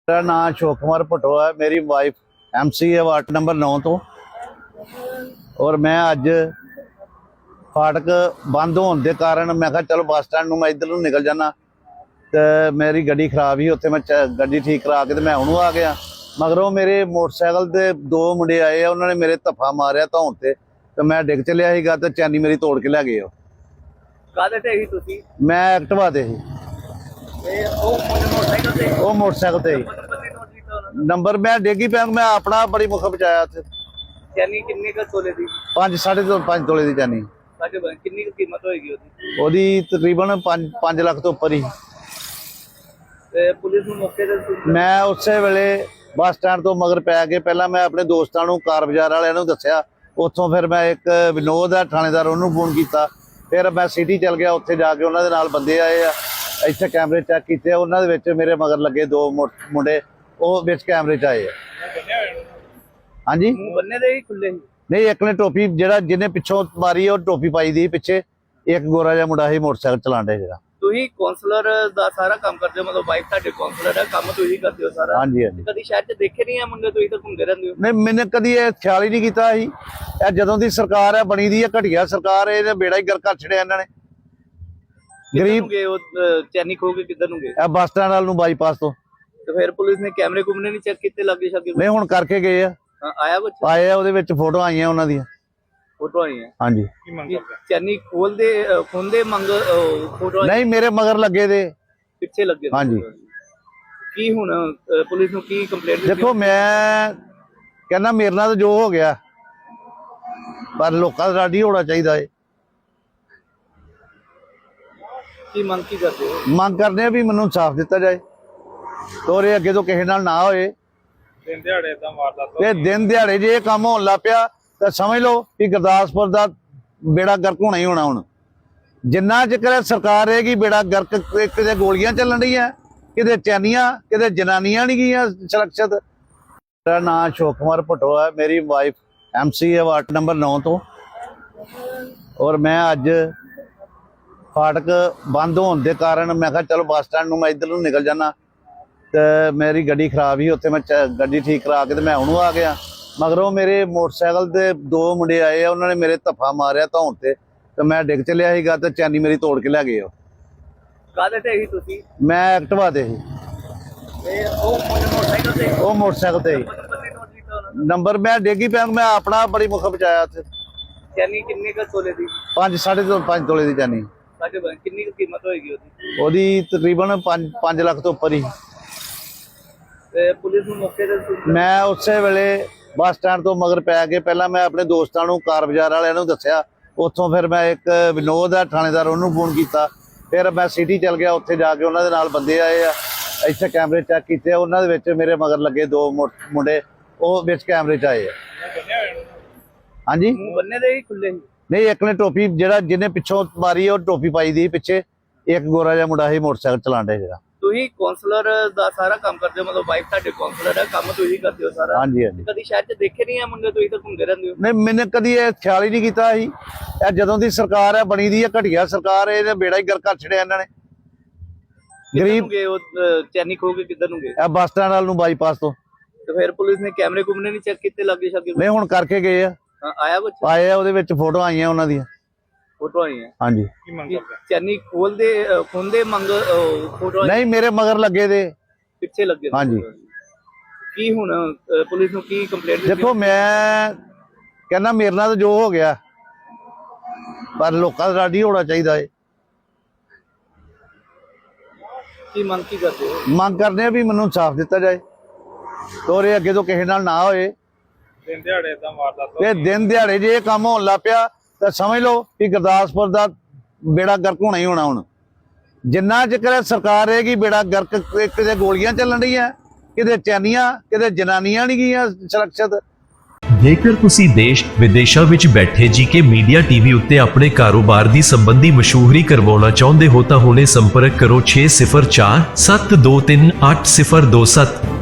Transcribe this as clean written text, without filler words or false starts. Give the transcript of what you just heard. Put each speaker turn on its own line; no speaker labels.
मेरा नाम अशोक कुमार भट्टो है। मेरी वाइफ MC है वार्ड नंबर 9 तो। और मैं अज फाटक बंद होने के कारण मैं कहा चलो बस स्टैंड मैं इधर नूं निकल जाना, तो मेरी गड्डी खराब ही उत्थे मैं गड्डी ठीक करा के मैं हुण आ गया। मगरों मेरे मोटरसाइकिल के दो मुंडे आए, उन्होंने मेरे धफ्फा मारिया धौन से, तो मैं डिग चलिया सीगा ते चैनी मेरी तोड़ के लै गए।
काहदे ते ही तुसी?
मैं एक्टिवा ते ही, वो मोटरसाइकिल ते ही। नंबर मैं डिगी पैंग मैं अपना बड़ी मुख बचाया उत्थे।
चैनी किन्ने का तोले दी?
5.5 तोले की चैनी।
किन्नी की कीमत होएगी ओदी?
ओदी तकरीबन 5 लाख तो उपर ही।
ते पुलिस नूं मौके ते
मैं उसे वेले बस स्टैंड तो मगर पै के पहला मैं अपने दोस्तों को कार बाजार वाले दसिया, उतों फिर मैं एक विनोद है थानेदार उन्होंने फोन किया, फिर मैं सिटी चल गया, उत्थे जाके उन्होंने नाल बंदे आए आ, इत्थे कैमरे चेक किए, उन्होंने मेरे मगर लगे दो मुंडे वो विच कैमरे च आए। हाँ जी
बन्ने दे ही खुले ही?
नहीं, एक ने टोपी जिहड़ा जिन्हें पिछों मारी और टोपी पाई दी पिछे, एक गोरा जिहा मुंडा ही मोटरसाइकिल चलाण डे जिहड़ा।
तुही काउंसलर दा सारा काम करदे हो, मतलब वाइफ तुहाडे काउंसलर है, काम तुही करदे हो सारा?
हाँ जी हाँ जी।
कदी शहर च देखे नहीं है मुंडे? तुही तो घूमदे रहंदे हो।
नहीं, मैंने कदी ये ख्याल ही नहीं किया ही। जदों दी सरकार है बनी दी है घटिया सरकार है, बेड़ा ही गर्क कर छड़िया इन्होंने। गरीब
चैनी खो के किधर नूं गए?
बस स्टैंड वाल नूं बाईपास तो।
तो फिर पुलिस ने कैमरे कुमरे नहीं चेक किते लागे शागे?
नहीं, हुण करके गए आ,
आया कुछ?
आए आ, ਉਹਦੇ ਵਿੱਚ फोटो आईਆਂ ਉਹਨਾਂ ਦੀਆਂ।
फोटो आई है?
हाँ जी।
चैनी खोल दे खोंदे मंग फोटो
नहीं, मेरे मगर लगे दे
पिछे लगे।
हाँ जी।
की हुण पुलिस नूं की कंप्लेंट?
देखो मैं कहना मेरे नाल जो हो गया, पर लोकां दा राडी होना चाहिए है।
की मंग की करदे हो?
ਮੰਗ करने भी मैनूं इंसाफ दिता जाए, तो ये अगे तो किसी नाल ना होए।
दिन दिहाड़े दा वारदात
ते दिन दिहाड़े जे काम होण लग पिया तो समझ लो कि गुरदासपुर का बेड़ा गर्क होना ही होना। हुण जिन्ना चिकर सरकार रहेगी बेड़ा गर्क, किते गोलियां चलन रही हैं, किते चैनियां, किते जनानियां नहीं गईयां सुरक्षित। मेरा नाम अशोक कुमार भट्टो है। मेरी वाइफ MC है वार्ड नंबर 9 तो। और मैं अज फाटक बंद होने के कारण मैं कहा चलो बस स्टैंड मैं इधर नूं निकल जाना, तो मेरी गड्डी खराब ही उत्थे मैं गड्डी ठीक करा के मैं हुण आ गया। मगरों मेरे मोटरसाइकिल के दो मुंडे आए, उन्होंने मेरे धफ्फा मारिया धौन से, तो मैं डिग चलिया सीगा ते चैनी मेरी तोड़ के लै गए।
काहदे ते ही तुसी?
मैं एक्टिवा ते ही,
मोटरसाइकिल ते?
वो मोटरसाइकिल ते ही। नंबर मैं डिगी पैंग मैं अपना बड़ी मुख बचाया उत्थे।
चैनी किन्ने का तोले दी?
5.5 तोले की चैनी।
किन्नी की कीमत होएगी ओदी?
ओदी तकरीबन 5 लाख तो उपर ही।
ते पुलिस नूं मौके ते
मैं उसे वेले बस स्टैंड तो मगर पै के पहला मैं अपने दोस्तों को कार बाजार वाले दसिया, उतों फिर मैं एक विनोद है थानेदार उन्होंने फोन किया, फिर मैं सिटी चल गया, उत्थे जाके उन्होंने नाल बंदे आए आ, इत्थे कैमरे चेक किए, उन्होंने मेरे मगर लगे दो मुंडे वो विच कैमरे च आए। हाँ जी
बन्ने दे ही खुले ही?
नहीं, एक ने टोपी जिहड़ा जिन्हें पिछों मारी और टोपी पाई दी पिछे, एक गोरा जिहा मुंडा ही मोटरसाइकिल चलाण डे जिहड़ा।
तुही काउंसलर दा सारा काम करदे हो, मतलब वाइफ तुहाडे काउंसलर है, काम तुही करदे हो सारा?
हाँ जी हाँ जी।
कदी शहर च देखे नहीं है मुंडे? तुही तो घूमदे रहंदे हो।
नहीं, मैंने कदी ये ख्याल ही नहीं किया ही। जदों दी सरकार है बनी दी है घटिया सरकार है, बेड़ा ही गर्क कर छड़िया इन्होंने। गरीब
चैनी खो के किधर नूं गए?
बस स्टैंड वाल नूं बाईपास तो।
तो फिर पुलिस ने कैमरे कुमरे नहीं चेक किते लागे शागे?
नहीं, हुण करके गए आ,
आया कुछ?
आए आ, ਉਹਦੇ ਵਿੱਚ फोटो आईਆਂ ਉਹਨਾਂ ਦੀਆਂ।
फोटो आई है?
हाँ जी।
चैनी खोल दे खोंदे मंग फोटो
नहीं, मेरे मगर लगे दे
पिछे लगे।
हाँ जी।
की हुण पुलिस नूं की कंप्लेंट?
देखो मैं कहना मेरे नाल जो हो गया, पर लोकां दा राडी होना चाहिए है।
की मंग की करदे हो?
ਮੰਗ करने भी मैनूं इंसाफ दिता जाए, तो ये अगे तो किसी नाल ना होए।
दिन दिहाड़े दा वारदात
ते दिन दिहाड़े जे काम होण लग पिया तो समझ लो कि गुरदासपुर का बेड़ा गर्क होना ही होना। हुण जिन्ना चिकर सरकार रहेगी बेड़ा गर्क, किते गोलियां चलन रही हैं, किते चैनियां, किते जनानियां नहीं गईयां सुरक्षित।
ਜੇਕਰ ਤੁਸੀਂ ਦੇਸ਼ ਵਿਦੇਸ਼ਾਂ ਵਿੱਚ ਬੈਠੇ ਜੀਕੇ ਮੀਡੀਆ ਟੀਵੀ ਉੱਤੇ ਆਪਣੇ ਕਾਰੋਬਾਰ ਦੀ ਸੰਬੰਧੀ ਮਸ਼ਹੂਰੀ ਕਰਵਾਉਣਾ ਚਾਹੁੰਦੇ ਹੋ ਤਾਂ ਹੁਣੇ ਸੰਪਰਕ ਕਰੋ 6047238027।